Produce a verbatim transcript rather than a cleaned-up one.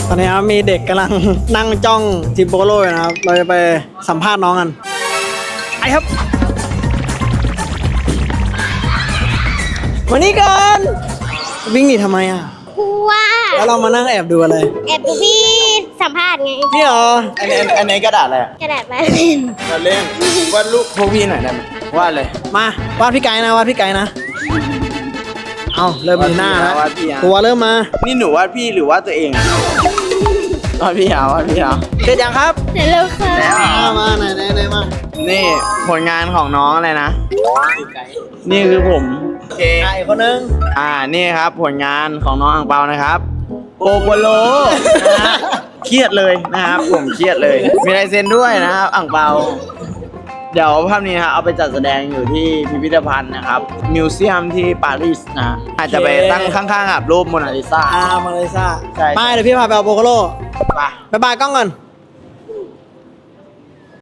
ตอนนี้ครับมีเด็กกำลังนั่งจ้องทีมโปโลอยู่นะครับเราจะไปสัมภาษณ์น้องกันไอครับวันนี้ก่อนวิ่งหนีทำไมอ่ะกลัวแล้วเรามานั่งแอบดูอะไรแอบดูพี่สัมภาษณ์ไงนี่เหรออันนี้อันนี้กระดาษอะไรอะกระดาษมาเล่นมาเล่นวาดรูปพวกพี่หน่อยได้ไหมวาดเลยมาวาดพี่ไก่นะวาดพี่ไก่นะเอาเริ่มมีหน้าแล้ววาดพี่อะตัวเริ่มมานี่หนูวาดพี่หรือวาดตัวเองอะวาดพี่เหรอวาดพี่เหรอเสร็จยังครับเดี๋ยวเราค่ะแล้วเหรอมามาไหนไหนไหนมานี่ผลงานของน้องอะไรนะ นี่คือผมโอเคไก่คนนึงอ่า นี่ครับผลงานของน้องอังเปานะครับโปโปโลนะฮะเครียดเลยนะครับ ผมเครียดเลย มีลายเซ็นด้วยนะครับอังเปา เดี๋ยวภาพนี้นะครับเอาไปจัดแสดงอยู่ที่พิพิธภัณฑ์นะครับ มิวเซียมที่ปารีสนะ อาจจะไปตั้งข้างๆกับรูปโมนาลิซาอ่ามาเลยซ่าใช่ไปเดี๋ยวพี่พาไปเอาโปโกโลไปบ๊ายบายกล้องก่อน